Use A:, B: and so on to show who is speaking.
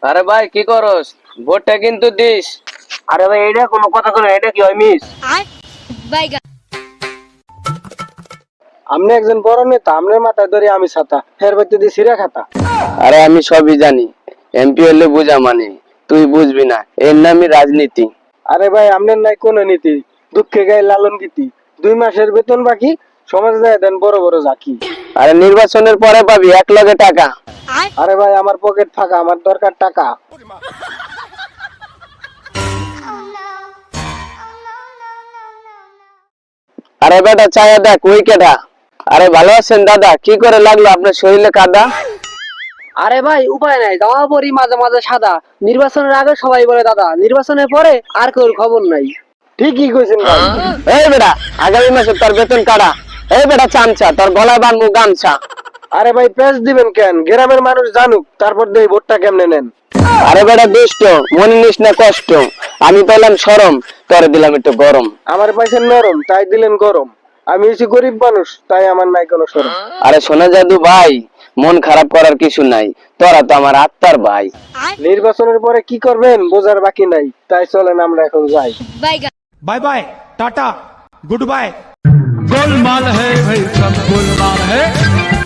A: আরে ভাই কি করস? ভোটটা কিন্তু দিস।
B: আরে ভাই এটা কোনো কথা কই, এটা কি হয় মিস? আমনে একজন বড় নেতা, আমনের মাথায় ধরে আমি ছাতা, ফের বাইতে দি সিরা খাতা।
A: আরে আমি সবই জানি, এমপি হলে বোঝা মানে, তুই বুঝবি না, এর নামই রাজনীতি।
B: আরে ভাই আমনের নাই কোনো নীতি, দুঃখে গায়ে লালন গীতি। 2 মাসের বেতন বাকি, সমাজে যায় দেন বড় বড় জাকি।
A: আরে নির্বাচনের পরে পাবি 1 লাখে টাকা।
B: আরে ভাই আমার পকেট ফাঁকা, আমার দরকার টাকা।
A: আরে বেটা চায়া দেখ ওই কেটা। আরে ভালো আছেন দাদা? কি করে লাগলো আপনার শরীরে কাদা?
B: আরে ভাই উপায় নাই, জামা পরি মাঝে মাঝে সাদা। নির্বাচনের আগে সবাই বলে দাদা, নির্বাচনের পরে আর কেউ খবর নাই। ঠিকই কইছেন ভাই।
A: এই বেটা, আগামী মাসে তোর বেতন কাটা। এই বেটা চামচা, তোর গলায় বানবো গামছা।
B: আরে ভাই পেঁচ দিবেন কেন? গ্রামের মানুষ জানুক, তারপর দেই ভোটটা কেমনে নেন।
A: আরে বেটা দুষ্ট, মনে নিস না কষ্ট। আমি পেলাম সরম, তোরে দিলাম একটু গরম।
B: আমার পাইছেন নরম, তাই দিলেন গরম। আমি হচ্ছি গরিব মানুষ, তাই আমার নাই কোনো সরম।
A: আরে শোনা জাদু ভাই, মন খারাপ করার কিছু নাই, তোরা তো আমার আত্মার ভাই।
B: নির্বাচনের পরে কি করবেন বোঝার বাকি নাই, তাই চলেন আমরা এখন যাই।
C: Bye bye tata good bye गोलमाल है भाई सब गोलमाल है।